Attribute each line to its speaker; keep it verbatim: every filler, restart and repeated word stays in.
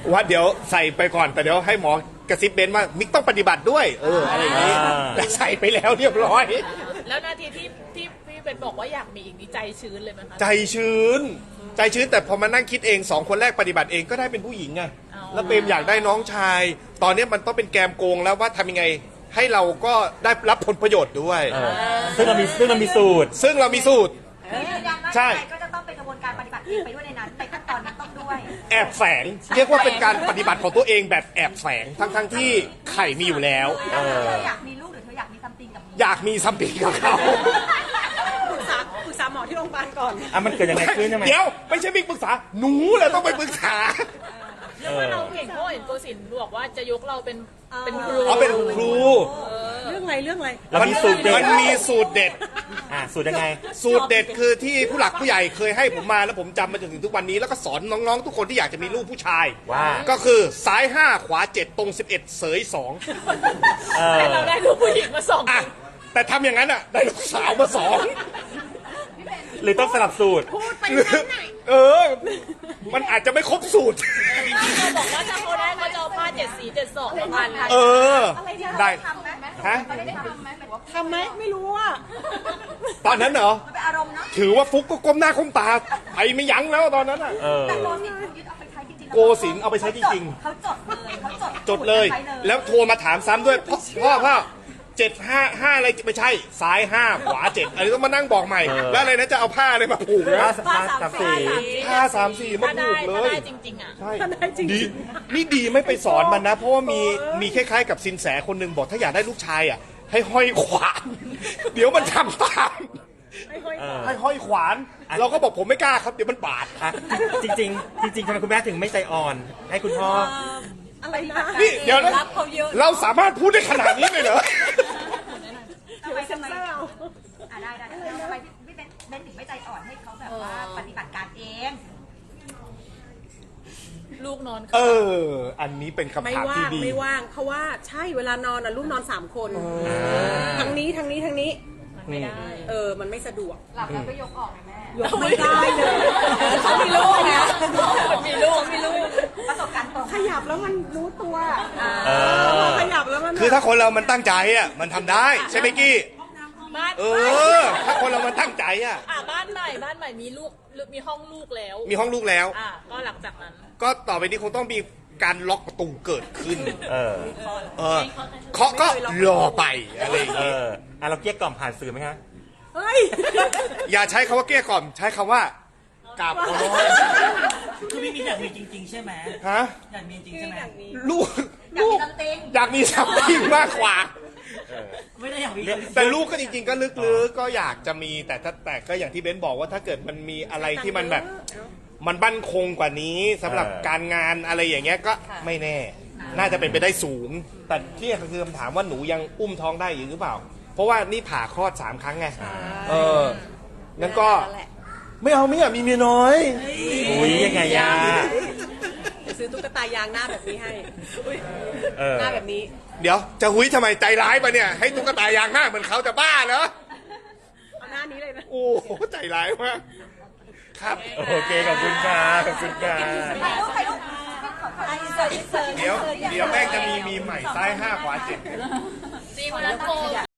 Speaker 1: ว่าเดี๋ยวใส่ไปก่อนแต่เดี๋ยวให้หมอกระซิบเบนว่ามิกต้องปฏิบัติด้วยเอออะไรอย่างนี้แต่ใส่ไปแล้วเรียบร้อย
Speaker 2: แล้วนาทีที่ที่พี่เป็นบอกว่าอยากมีอีกนี่ใจชื้นเลยไหมคะ
Speaker 1: ใจชื้น ใจชื้นแต่พอมานั่งคิดเองสองคนแรกปฏิบัติเองก็ได้เป็นผู้หญิงไงแล้วเปรมอยากได้น้องชาย ตอนนี้มันต้องเป็นแกมโกงแล้วว่าทำยังไงให้เราก็ได้รับผลประโยชน์ด้วย
Speaker 3: ซึ่งเรามีซึ่งเรามีสูตร
Speaker 1: ซึ่งเรามีสูตร
Speaker 4: ยืนยันว่า
Speaker 1: ใช่
Speaker 4: ยังไงก็จะต้องเป็นกระบวนการปฏิบัติเองไปด้วยในนั้นในขั้นตอนนั้นต้องด้วย
Speaker 1: แอบแฝงเรียกว่าเป็นการปฏิบัติของตัวเองแบบแอบแฝงทั้งทั้งๆที่ไข่มีอยู่แล้ว
Speaker 4: เธออยากมีลูกหรือเธออยากมีซัมติงกับ
Speaker 1: อยากมีซัมติงกับเขา
Speaker 5: ปรึกษาปรึกษาหมอที่โรงพยาบาลก่อน
Speaker 3: อ่ะมันเกิดยังไงขึ้นใช่ไหม
Speaker 1: เดี๋ยวไม่ใช่มิกปรึกษาหนูแหละต้องไปปรึกษา
Speaker 2: แล้วว่าเราเห็นเพราะเห็นโกศินทร์บอกว่าจะยกเราเป็นเป็นครู
Speaker 1: อ๋อเป็นครู
Speaker 5: เรื่องอะไรเรื่องอะไร
Speaker 3: เรามีสูตรเด็
Speaker 1: มั
Speaker 3: ด
Speaker 1: นมีสูตรเด็ด
Speaker 3: อ่ะสูตรยังไง
Speaker 1: สูตรเด็ดคือที่ผู้หลักผู้ใหญ่เคยให้ผมมาแล้วผมจำมาจนถึงทุกวันนี้แล้วก็สอนน้องๆทุกคนที่อยากจะมีลูกผู้ชาย
Speaker 3: ว่า
Speaker 1: ก็คือซ้ายห้าขวาเจ็ดตรงสิบเอ็ดเสยสอง
Speaker 3: เออ
Speaker 2: แต่เราได้ลูกผู้หญิงมาสอง
Speaker 1: อ่ะแต่ทำอย่างนั้นอ่ะได้ลูกสาวมาสอง
Speaker 3: หรือต้องสลับสูตร
Speaker 5: พูดไปนั้นไหน
Speaker 1: เออ มันอาจจะไม่ครบสูตร
Speaker 2: เราบอกว่าถ้าเขาได้เขาจะเอาผ้าเจ็ดสีเจ็ดสองมาพัน
Speaker 1: เออ ได้
Speaker 4: ทำไหม
Speaker 1: ฮะ
Speaker 4: เขาได้ทำไหมหมายว่า
Speaker 5: ทำไหมไม่รู้อ่ะ
Speaker 1: ตอนนั้นเหรอ
Speaker 4: มันเป็นอารมณ์เนาะ
Speaker 1: ถือว่าฟุกก็ก้มหน้าก้มตาไปไม่ยั้งแล้วตอนนั้นอ่ะ
Speaker 3: เออ
Speaker 4: แต่โกศินทร์ยึดเอาไปใช้จริงๆ
Speaker 1: โกศินทร์เอาไปใช้จริงๆ
Speaker 4: เขาจดเลยเขาจด
Speaker 1: จดเลย
Speaker 4: ใช้
Speaker 1: แล้วโทรมาถามซ้ำด้วยพ่อพ่อพ่อเจ็ดห้าห้าอะไรไม่ใช่ซ้ายห้าขวาเจ็ดอะไรต้องมานั่งบอกใหม่
Speaker 3: เออ
Speaker 1: แล้วอะไรนะจะเอาผ้าอะไรมาผูก
Speaker 3: ผ้า
Speaker 1: นะ
Speaker 3: ผ้าสามสี
Speaker 1: ผ้าสามสี่มา
Speaker 2: ถ้า
Speaker 1: ผู
Speaker 2: ได้
Speaker 1: กเล
Speaker 2: ถ้าย ได้จริงๆอ่ะ
Speaker 1: ใช่
Speaker 5: ถ้าได้จริงๆ
Speaker 1: ดีนี่ดีไม่ไปสอนมันนะ เพราะว่ามีมีคล้ายๆกับสินแสคนหนึ่งบอกถ้าอยากได้ลูกชายอ่ะให้ห้อยขวาน เดี๋ยวมันทำตาม
Speaker 5: ไม่ค่อย
Speaker 3: เออ
Speaker 1: ให้ห้อยขวาน เราก็บอกผมไม่กล้าครับเดี๋ยวมันบาด
Speaker 3: อ่ะจริงๆจริงๆทำไมคุณแม่ถึงไม่ใจอ่อน ให้คุณพ่อ
Speaker 5: อะไรนะ
Speaker 1: นี่เดี๋ยวนะ
Speaker 5: รับเขาเยอะ
Speaker 1: เราสามารถพูดได้ขนาดนี้เลยเหรอ
Speaker 4: ทำไม
Speaker 5: เซ็
Speaker 4: ทำ
Speaker 5: น
Speaker 4: ไม
Speaker 5: เซอร์เอา
Speaker 4: อ่ะได้ได้ได้ทำไมพี่เป็นเบนถึงไม่ใจอ่อนให้เขาแบบว่าปฏิบัติการเอง
Speaker 2: ลูกนอน
Speaker 1: เออ อันนี้เป็นคำ
Speaker 5: ไม่
Speaker 1: ถาม
Speaker 5: ว่า
Speaker 1: ที่
Speaker 5: ง
Speaker 1: ดี
Speaker 5: ไม่ว่างเพราะว่าใช่เวลานอนอ่ะลูกนอนสามคนทางนี้ทางนี้ทางนี้
Speaker 2: ไม่ได้
Speaker 5: เออมันไม่สะดวก
Speaker 4: หลับแล้วก็ยกออกนะแม่
Speaker 5: ยกไม่ได้เลยเขามีลูกนะ
Speaker 2: มีลูกมีลูก
Speaker 4: ประสบการณ์ตรง
Speaker 5: ขยับแล้วมันรู้ตัว
Speaker 3: เออ
Speaker 5: ขยับแล้วมัน
Speaker 1: คือถ้าคนเรามันตั้งใจอ่ะมันทำได้ใช่ไหมกี้
Speaker 2: บ้าน
Speaker 1: เออ ถ้าคนเรามันตั้งใจอ่ะ
Speaker 2: อ่ะบ้านใหม่บ้านใหม่มีลูกมีห้องลูกแล้ว
Speaker 1: มีห้องลูกแล้ว
Speaker 2: อ่ะก็หลังจากนั้น
Speaker 1: ก็ต่อไปนี้คงต้องมีการล็อกประตูเกิดขึ้น
Speaker 3: เออ
Speaker 1: เออเคาะก็รอไปอะไรอย่าง
Speaker 3: เอ
Speaker 1: งี้
Speaker 3: ออ่ะเราเกลี้ยกล่อมผ่านสื่อไหมคะ
Speaker 5: เฮ้ย
Speaker 1: อย่าใช้คำว่าเกลี้ยกล่อมใช้คำว่ากราบขอร้อง
Speaker 6: คือพี่มีอยากมีจริง ๆ ใช่ไหม
Speaker 1: ฮะ
Speaker 6: อยากมีจริงใช่ไหม
Speaker 1: ลูก
Speaker 4: อยาก
Speaker 1: ลู
Speaker 4: มี
Speaker 1: ก
Speaker 4: ซัมติง
Speaker 1: อยากมีสัมผัสมากกว่า
Speaker 6: ไม่ได้อยากมี
Speaker 1: แต่ลูกก็จริงๆก็ลึกๆก็อยากจะมีแต่ถ้าแต่ก็อย่างที่เบนบอกว่าถ้าเกิดมันมีอะไรที่มันแบบ มันบั่นคงกว่านี้สำหรับ
Speaker 3: เออ
Speaker 1: การงานอะไรอย่างเงี้ยก็ไม่แน่ น่าจะเป็นไปได้สูง แต่ที่คือคำถามว่าหนูยังอุ้มท้องได้อยู่หรือเปล่า เพราะว่านี่ผ่าคลอดสามครั้งไงเอองั้นก็ไม่เอาไม่อยากมีเมียน้อย
Speaker 3: อุ้ยยังไงย่า
Speaker 5: เดี๋ยวซื้อตุ๊กตายางหน้าแบบนี้ให้อุ๊ย
Speaker 3: เออ
Speaker 5: หน้าแบบนี้
Speaker 1: เดี๋ยวจะหุยทำไมใจร้ายปะเนี่ยให้ตุ๊กตายางหน้าเหมือนเขาจะบ้าเหรอ
Speaker 5: เอาหน้านี้เลยนะ
Speaker 1: โอ้โหใจร้ายมากครับ
Speaker 3: โอเคขอบคุณค่ะขอบคุณค่ะ
Speaker 4: ถ่ายรูปถ่ายรูปขอขออินเสิร์ตอินเสิร์ต
Speaker 1: เดี๋ยวเดี๋ยวแม่งจะมีมีใหม่ซ้ายห้าขวาเจ็ด
Speaker 2: จริงวันนั้นโก